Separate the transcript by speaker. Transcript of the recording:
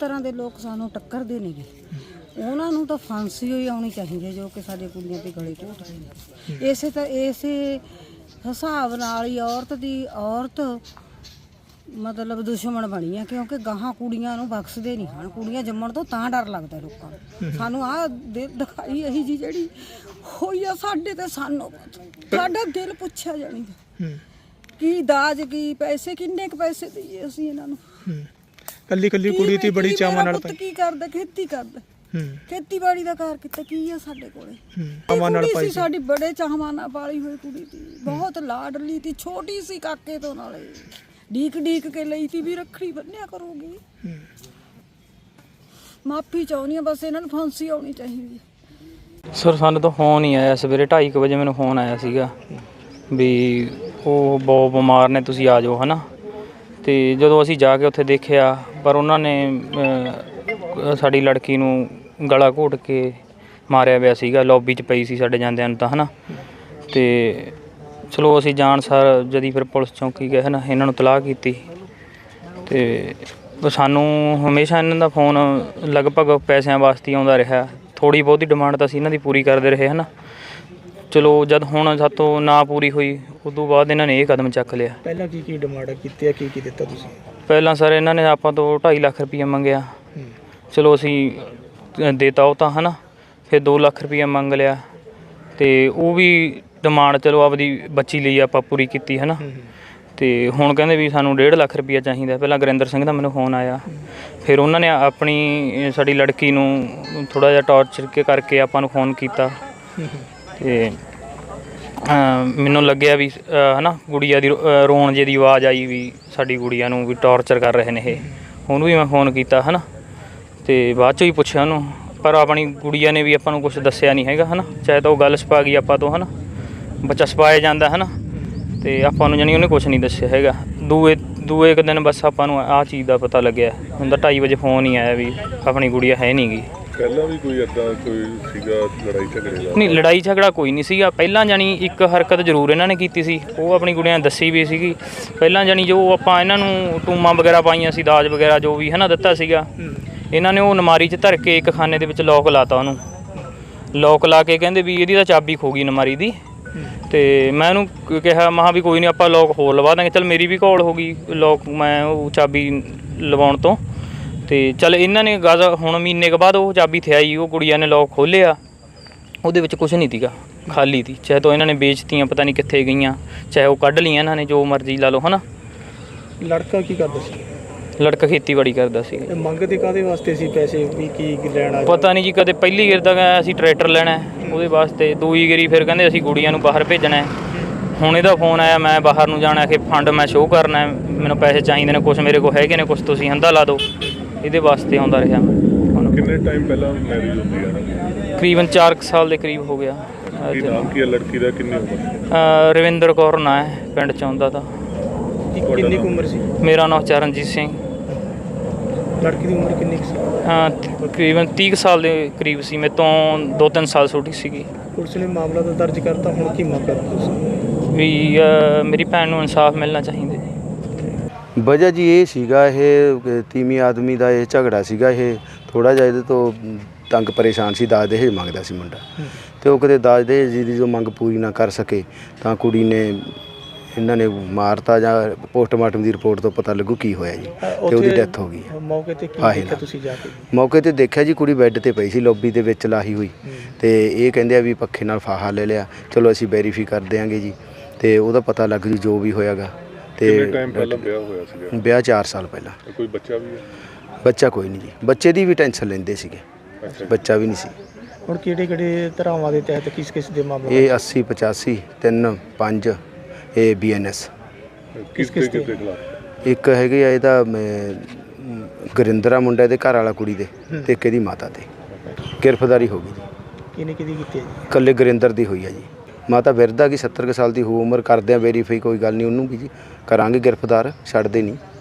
Speaker 1: ਤਰ੍ਹਾਂ ਦੇ ਲੋਕ ਸਾਨੂੰ ਟੱਕਰਦੇ ਨੇਗੇ, ਉਹਨਾਂ ਨੂੰ ਤਾਂ ਫਾਂਸੀ ਹੋਈ ਆਉਣੀ ਚਾਹੀਦੀ ਹੈ ਜੋ ਕਿ ਸਾਡੇ ਕੁੜੀਆਂ ਤੇ ਗਲੇ ਘੋਟ ਰਹੇ ਨੇ। ਇਸੇ ਹਿਸਾਬ ਨਾਲ ਹੀ ਔਰਤ ਮਤਲਬ ਦੁਸ਼ਮਣ ਬਣੀ ਹੈ, ਕਿਉਂਕਿ ਗਾਹਾਂ ਕੁੜੀਆਂ ਨੂੰ ਬਖਸ਼ਦੇ ਨਹੀਂ ਹਨ। ਕੁੜੀਆਂ ਜੰਮਣ ਤੋਂ ਤਾਂ ਡਰ ਲੱਗਦਾ ਲੋਕਾਂ ਨੂੰ। ਸਾਨੂੰ ਆਹ ਦਿਖਾਈ ਇਹੀ ਜੀ ਜਿਹੜੀ ਹੋਈ ਆ ਸਾਡੇ ਤੇ, ਸਾਨੂੰ ਸਾਡਾ ਦਿਲ ਪੁੱਛਿਆ ਜਾਣੀ ਕੀ ਦਾਜ ਕੀ ਪੈਸੇ ਕਿੰਨੇ ਕੁ ਪੈਸੇ ਦਈਏ ਅਸੀਂ ਇਹਨਾਂ ਨੂੰ।
Speaker 2: ਕੱਲੀ ਕੁੜੀ ਤੇ ਬੜੀ ਚਾਵਾਂ ਨਾਲ
Speaker 1: ਕੀ ਕਰਦਾ, ਖੇਤੀ ਕਰਦਾ, ਖੇਤੀਬਾੜੀ ਦਾ ਕਾਰ ਕੀਤਾ ਕੀ ਆ ਸਾਡੇ ਕੋਲੇ। ਕੁੜੀ ਸੀ ਸਾਡੀ ਬੜੇ ਚਾਵਾਂ ਨਾਲ ਪਾਲੀ ਹੋਈ ਕੁੜੀ ਸੀ, ਬਹੁਤ ਲਾਡਲੀ ਸੀ, ਛੋਟੀ ਸੀ ਕਾਕੇ ਤੋਂ, ਨਾਲੇ ਡੀਕ ਕੇ ਲਈ ਤੀ ਵੀ ਰੱਖੜੀ ਬੰਨਿਆ ਕਰੂਗੀ। ਮਾਫੀ ਚਾਹੁੰਦੀ ਆ ਬਸ, ਇਹਨਾਂ ਨੂੰ ਫਾਂਸੀ ਆਉਣੀ ਚਾਹੀਦੀ ਹੈ।
Speaker 3: ਸਰ ਸਾਨੂੰ ਤਾਂ ਫੋਨ ਹੀ ਆਇਆ ਸਵੇਰੇ 2:30 ਵਜੇ, ਮੈਨੂੰ ਫੋਨ ਆਇਆ ਸੀਗਾ ਵੀ ਉਹ ਬਹੁਤ ਬਿਮਾਰ ਨੇ, ਤੁਸੀਂ ਆ ਜਾਓ, ਹੈ ਨਾ। ਅਤੇ ਜਦੋਂ ਅਸੀਂ ਜਾ ਕੇ ਉੱਥੇ ਦੇਖਿਆ, ਪਰ ਉਹਨਾਂ ਨੇ ਸਾਡੀ ਲੜਕੀ ਨੂੰ ਗਲਾ ਘੋਟ ਕੇ ਮਾਰਿਆ ਪਿਆ ਸੀਗਾ, ਲੌਬੀ 'ਚ ਪਈ ਸੀ ਸਾਡੇ ਜਾਂਦਿਆਂ ਨੂੰ ਤਾਂ, ਹੈ ਨਾ। ਅਤੇ ਚਲੋ ਅਸੀਂ ਜਾਣ ਸਾਰ ਜਦੀ ਫਿਰ ਪੁਲਿਸ ਚੌਂਕੀ ਗਏ, ਹੈ ਨਾ, ਇਹਨਾਂ ਨੂੰ ਤਲਾਹ ਕੀਤੀ। ਅਤੇ ਸਾਨੂੰ ਹਮੇਸ਼ਾ ਇਹਨਾਂ ਦਾ ਫੋਨ ਲਗਭਗ ਪੈਸਿਆਂ ਵਾਸਤੇ ਹੀ ਆਉਂਦਾ ਰਿਹਾ। ਥੋੜ੍ਹੀ ਬਹੁਤੀ ਡਿਮਾਂਡ ਤਾਂ ਅਸੀਂ ਇਹਨਾਂ ਦੀ ਪੂਰੀ ਕਰਦੇ ਰਹੇ, ਹੈ ਨਾ। ਚਲੋ ਜਦ ਹੁਣ ਸਾਤੋਂ ਨਾ ਪੂਰੀ ਹੋਈ, ਉਦੋਂ ਬਾਅਦ ਇਹਨਾਂ ਨੇ ਇਹ ਕਦਮ ਚੱਕ ਲਿਆ।
Speaker 2: ਪਹਿਲਾਂ ਕੀ ਡਿਮਾਂਡ ਕੀਤੀ ਹੈ, ਕੀ ਦਿੱਤਾ ਤੁਸੀਂ?
Speaker 3: ਪਹਿਲਾਂ ਸਰ ਇਹਨਾਂ ਨੇ ਆਪਾਂ ਤੋਂ 2.5 ਲੱਖ ਰੁਪਈਆ ਮੰਗਿਆ। ਚਲੋ ਅਸੀਂ ਦੇਤਾ ਉਹ ਤਾਂ, ਹੈ ਨਾ। ਫਿਰ 2 ਲੱਖ ਰੁਪਈਆ ਮੰਗ ਲਿਆ, ਅਤੇ ਉਹ ਵੀ ਡਿਮਾਂਡ ਚਲੋ ਆਪਦੀ ਬੱਚੀ ਲਈ ਆਪਾਂ ਪੂਰੀ ਕੀਤੀ, ਹੈ ਨਾ। ਅਤੇ ਹੁਣ ਕਹਿੰਦੇ ਵੀ ਸਾਨੂੰ 1.5 ਲੱਖ ਰੁਪਈਆ ਚਾਹੀਦਾ। ਪਹਿਲਾਂ ਗੁਰਿੰਦਰ ਸਿੰਘ ਦਾ ਮੈਨੂੰ ਫੋਨ ਆਇਆ, ਫਿਰ ਉਹਨਾਂ ਨੇ ਆਪਣੀ ਸਾਡੀ ਲੜਕੀ ਨੂੰ ਥੋੜ੍ਹਾ ਜਿਹਾ ਟੌਰਚਰ ਕਰਕੇ ਆਪਾਂ ਨੂੰ ਫੋਨ ਕੀਤਾ। ਅਤੇ ਮੈਨੂੰ ਲੱਗਿਆ ਵੀ ਹੈ ਨਾ, ਗੁੜੀਆ ਦੀ ਰੋਣ ਜੇ ਦੀ ਆਵਾਜ਼ ਆਈ ਵੀ ਸਾਡੀ ਗੁੜੀਆ ਨੂੰ ਵੀ ਟੌਰਚਰ ਕਰ ਰਹੇ ਨੇ ਇਹ। ਉਹਨੂੰ ਵੀ ਮੈਂ ਫੋਨ ਕੀਤਾ, ਹੈ ਨਾ, ਅਤੇ ਬਾਅਦ 'ਚੋਂ ਹੀ ਪੁੱਛਿਆ ਉਹਨੂੰ, ਪਰ ਆਪਣੀ ਗੁੜੀਆ ਨੇ ਵੀ ਆਪਾਂ ਨੂੰ ਕੁਛ ਦੱਸਿਆ ਨਹੀਂ ਹੈਗਾ, ਹੈ ਨਾ। ਚਾਹੇ ਤਾਂ ਉਹ ਗੱਲ ਛਪਾ ਗਈ ਆਪਾਂ ਤੋਂ, ਹੈ ਨਾ, ਬੱਚਾ ਛਪਾਇਆ ਜਾਂਦਾ, ਹੈ ਨਾ। ਅਤੇ ਆਪਾਂ ਨੂੰ ਜਾਣੀ ਉਹਨੇ ਕੁਛ ਨਹੀਂ ਦੱਸਿਆ ਹੈਗਾ। ਦੂਏ ਇੱਕ ਦਿਨ ਬਸ ਆਪਾਂ ਨੂੰ ਆਹ ਚੀਜ਼ ਦਾ ਪਤਾ ਲੱਗਿਆ। ਹੁਣ ਤਾਂ 2:30 ਵਜੇ ਫੋਨ ਹੀ ਆਇਆ ਵੀ ਆਪਣੀ ਗੁੜੀਆ ਹੈ ਨਹੀਂ ਗੀ।
Speaker 4: ਪਹਿਲਾਂ ਵੀ ਕੋਈ ਇੱਦਾਂ ਕੋਈ ਸੀਗਾ ਲੜਾਈ ਝਗੜੇ ਦਾ?
Speaker 3: ਨਹੀਂ, ਲੜਾਈ ਝਗੜਾ ਕੋਈ ਨਹੀਂ ਸੀਗਾ ਪਹਿਲਾਂ। ਜਾਣੀ ਇੱਕ ਹਰਕਤ ਜ਼ਰੂਰ ਇਹਨਾਂ ਨੇ ਕੀਤੀ ਸੀ, ਉਹ ਆਪਣੀ ਗੁੜੀਆਂ ਨੇ ਦੱਸੀ ਵੀ ਸੀਗੀ ਪਹਿਲਾਂ। ਜਾਣੀ ਜੋ ਆਪਾਂ ਇਹਨਾਂ ਨੂੰ ਟੂਮਾਂ ਵਗੈਰਾ ਪਾਈਆਂ ਸੀ, ਦਾਜ ਵਗੈਰਾ ਜੋ ਵੀ, ਹੈ ਨਾ, ਦਿੱਤਾ ਸੀਗਾ, ਇਹਨਾਂ ਨੇ ਉਹ ਨਮਾਰੀ 'ਚ ਧਰ ਕੇ ਇੱਕ ਖਾਨੇ ਦੇ ਵਿੱਚ ਲੋਕ ਲਾਤਾ। ਉਹਨੂੰ ਲੋਕ ਲਾ ਕੇ ਕਹਿੰਦੇ ਵੀ ਇਹਦੀ ਤਾਂ ਚਾਬੀ ਖੋ ਗਈ ਨਮਾਰੀ ਦੀ। ਅਤੇ ਮੈਂ ਉਹਨੂੰ ਕਿਹਾ, ਮਹਾਂ ਵੀ ਕੋਈ ਨਹੀਂ, ਆਪਾਂ ਲੋਕ ਹੋਰ ਲਵਾ ਦਾਂਗੇ। ਚੱਲ ਮੇਰੀ ਵੀ ਘੋਲ ਹੋ ਗਈ ਲੋਕ, ਮੈਂ ਉਹ ਚਾਬੀ ਲਵਾਉਣ ਤੋਂ। ਅਤੇ ਚੱਲ ਇਹਨਾਂ ਨੇ ਹੁਣ ਮਹੀਨੇ ਕੁ ਬਾਅਦ ਉਹ ਚਾਬੀ ਥਿਆਈ, ਉਹ ਕੁੜੀਆਂ ਨੇ ਲੋਕ ਖੋਲ੍ਹਿਆ, ਉਹਦੇ ਵਿੱਚ ਕੁਛ ਨਹੀਂ ਸੀਗਾ, ਖਾਲੀ ਸੀ। ਚਾਹੇ ਤਾਂ ਇਹਨਾਂ ਨੇ ਵੇਚਤੀਆਂ, ਪਤਾ ਨਹੀਂ ਕਿੱਥੇ ਗਈਆਂ, ਚਾਹੇ ਉਹ ਕੱਢ ਲਈਆਂ ਇਹਨਾਂ ਨੇ, ਜੋ ਮਰਜ਼ੀ ਲਾ ਲਓ, ਹੈ ਨਾ।
Speaker 2: ਲੜਕਾ ਕੀ ਕਰਦਾ ਸੀ?
Speaker 3: ਲੜਕਾ ਖੇਤੀਬਾੜੀ ਕਰਦਾ ਸੀ।
Speaker 2: ਮੰਗਦੇ ਕਾਹਦੇ ਵਾਸਤੇ ਸੀ ਪੈਸੇ, ਵੀ ਕੀ ਲੈਣਾ?
Speaker 3: ਪਤਾ ਨਹੀਂ ਜੀ, ਕਦੇ ਪਹਿਲੀ ਗੇਰ ਤਾਂ ਅਸੀਂ ਟਰੈਕਟਰ ਲੈਣਾ ਉਹਦੇ ਵਾਸਤੇ, ਦੂਈ ਗੇਰੀ ਫਿਰ ਕਹਿੰਦੇ ਅਸੀਂ ਗੁੜੀਆਂ ਨੂੰ ਬਾਹਰ ਭੇਜਣਾ। ਹੁਣ ਇਹਦਾ ਫੋਨ ਆਇਆ, ਮੈਂ ਬਾਹਰ ਨੂੰ ਜਾਣਾ, ਕਿ ਫੰਡ ਮੈਂ ਸ਼ੋਅ ਕਰਨਾ, ਮੈਨੂੰ ਪੈਸੇ ਚਾਹੀਦੇ ਨੇ, ਕੁਛ ਮੇਰੇ ਕੋਲ ਹੈਗੇ ਨੇ, ਕੁਛ ਤੁਸੀਂ ਹੰਦਾ ਲਾ ਦਿਓ। ਇਹਦੇ ਵਾਸਤੇ ਆਉਂਦਾ ਰਿਹਾ।
Speaker 4: ਕਿੰਨੇ ਟਾਈਮ ਪਹਿਲਾਂ ਮੈਰਿਜ ਹੁੰਦੀ ਹੈ?
Speaker 3: ਤਕਰੀਬਨ 4 ਸਾਲ ਦੇ ਕਰੀਬ ਹੋ ਗਿਆ।
Speaker 4: ਕੀ ਨਾਮ ਕੀ ਹੈ ਲੜਕੀ ਦਾ, ਕਿੰਨੀ ਉਮਰ?
Speaker 3: ਰਵਿੰਦਰ ਕੌਰ ਨਾਂ ਹੈ, ਪਿੰਡ 'ਚ ਆਉਂਦਾ ਤਾਂ।
Speaker 2: ਕਿੰਨੀ ਕੁ ਉਮਰ ਸੀ?
Speaker 3: ਮੇਰਾ ਨਾਮ ਚਰਨਜੀਤ ਸਿੰਘ।
Speaker 2: ਲੜਕੀ ਦੀ ਉਮਰ ਕਿੰਨੀ ਸੀ?
Speaker 3: ਤਕਰੀਬਨ 30 ਸਾਲ ਦੇ ਕਰੀਬ ਸੀ, ਮੇਰੇ ਤੋਂ 2-3 ਸਾਲ ਛੋਟੀ ਸੀਗੀ।
Speaker 2: ਪੁਲਿਸ ਨੇ ਮਾਮਲਾ ਤਾਂ ਦਰਜ ਕਰਤਾ, ਹੁਣ ਕੀ ਮੰਗ ਕਰਦੇ ਤੁਸੀਂ?
Speaker 3: ਵੀ ਮੇਰੀ ਭੈਣ ਨੂੰ ਇਨਸਾਫ ਮਿਲਣਾ ਚਾਹੀਦਾ ਜੀ।
Speaker 5: ਵਜ੍ਹਾ ਜੀ ਇਹ ਸੀਗਾ, ਇਹ ਤੀਵੀਂ ਆਦਮੀ ਦਾ ਇਹ ਝਗੜਾ ਸੀਗਾ। ਇਹ ਥੋੜ੍ਹਾ ਜਿਹਾ ਇਹਦੇ ਤੋਂ ਤੰਗ ਪਰੇਸ਼ਾਨ ਸੀ, ਦਾਜ ਦਹੇਜ ਮੰਗਦਾ ਸੀ ਮੁੰਡਾ, ਅਤੇ ਉਹ ਕਦੇ ਦਾਜ ਦਹੇਜ ਦੀ ਜੋ ਮੰਗ ਪੂਰੀ ਨਾ ਕਰ ਸਕੇ ਤਾਂ ਕੁੜੀ ਨੇ ਇਹਨਾਂ ਨੇ ਮਾਰਤਾ, ਜਾਂ ਪੋਸਟਮਾਰਟਮ ਦੀ ਰਿਪੋਰਟ ਤੋਂ ਪਤਾ ਲੱਗੂ ਕੀ ਹੋਇਆ ਜੀ, ਅਤੇ ਉਹਦੀ ਡੈਥ ਹੋ ਗਈ।
Speaker 2: ਮੌਕੇ 'ਤੇ ਕੀ ਦੇਖਿਆ ਤੁਸੀਂ ਜਾ ਕੇ?
Speaker 5: ਮੌਕੇ 'ਤੇ ਦੇਖਿਆ ਜੀ, ਕੁੜੀ ਬੈੱਡ 'ਤੇ ਪਈ ਸੀ, ਲੌਬੀ ਦੇ ਵਿੱਚ ਲਾਹੀ ਹੋਈ, ਅਤੇ ਇਹ ਕਹਿੰਦੇ ਆ ਵੀ ਪੱਖੇ ਨਾਲ ਫਾਹਾ ਲੈ ਲਿਆ। ਚਲੋ ਅਸੀਂ ਵੈਰੀਫਾਈ ਕਰ ਦਿਆਂਗੇ ਜੀ, ਅਤੇ ਉਹਦਾ ਪਤਾ ਲੱਗ ਜੂ ਜੋ ਵੀ ਹੋਇਆਗਾ।
Speaker 4: ਤੇ ਟਾਈਮ ਪਹਿਲਾਂ ਵਿਆਹ ਹੋਇਆ ਸੀਗਾ?
Speaker 5: ਵਿਆਹ 4 ਸਾਲ ਪਹਿਲਾਂ।
Speaker 4: ਕੋਈ ਬੱਚਾ ਵੀ ਹੈ?
Speaker 5: ਬੱਚਾ ਕੋਈ ਨਹੀਂ ਜੀ, ਬੱਚੇ ਦੀ ਵੀ ਟੈਨਸ਼ਨ ਲੈਂਦੇ ਸੀਗੇ, ਬੱਚਾ ਵੀ ਨਹੀਂ ਸੀ।
Speaker 2: ਹੁਣ ਕਿਹੜੇ ਧਾਰਾਵਾਂ ਦੇ ਤਹਿਤ ਕਿਸ ਦੇ ਮਾਮਲੇ?
Speaker 5: ਇਹ 80, 85, 3, 5 ਇਹ BNS।
Speaker 4: ਕਿਸ ਦੇ ਖਿਲਾਫ?
Speaker 5: ਇੱਕ ਹੈਗੇ ਆ ਇਹਦਾ ਗੁਰਿੰਦਰਾ ਮੁੰਡਾ, ਇਹਦੇ ਘਰ ਵਾਲਾ ਕੁੜੀ ਦੇ, ਅਤੇ ਇੱਕ ਇਹਦੀ ਮਾਤਾ 'ਤੇ ਗ੍ਰਿਫਤਾਰੀ ਹੋ ਗਈ ਜੀ।
Speaker 2: ਕਿਹਦੀ ਕੀਤੀ ਹੈ ਜੀ?
Speaker 5: ਇਕੱਲੇ ਗੁਰਿੰਦਰ ਦੀ ਹੋਈ ਆ ਜੀ। ਮਾਤਾ ਬਿਰਧ ਆ ਗਈ, 70 ਕੁ ਸਾਲ ਦੀ ਹੋ ਉਮਰ। ਕਰਦੇ ਆ ਵੈਰੀਫਾਈ, ਕੋਈ ਗੱਲ ਨਹੀਂ, ਉਹਨੂੰ ਵੀ ਜੀ ਕਰਾਂਗੇ ਗ੍ਰਿਫਤਾਰ, ਛੱਡਦੇ ਨਹੀਂ।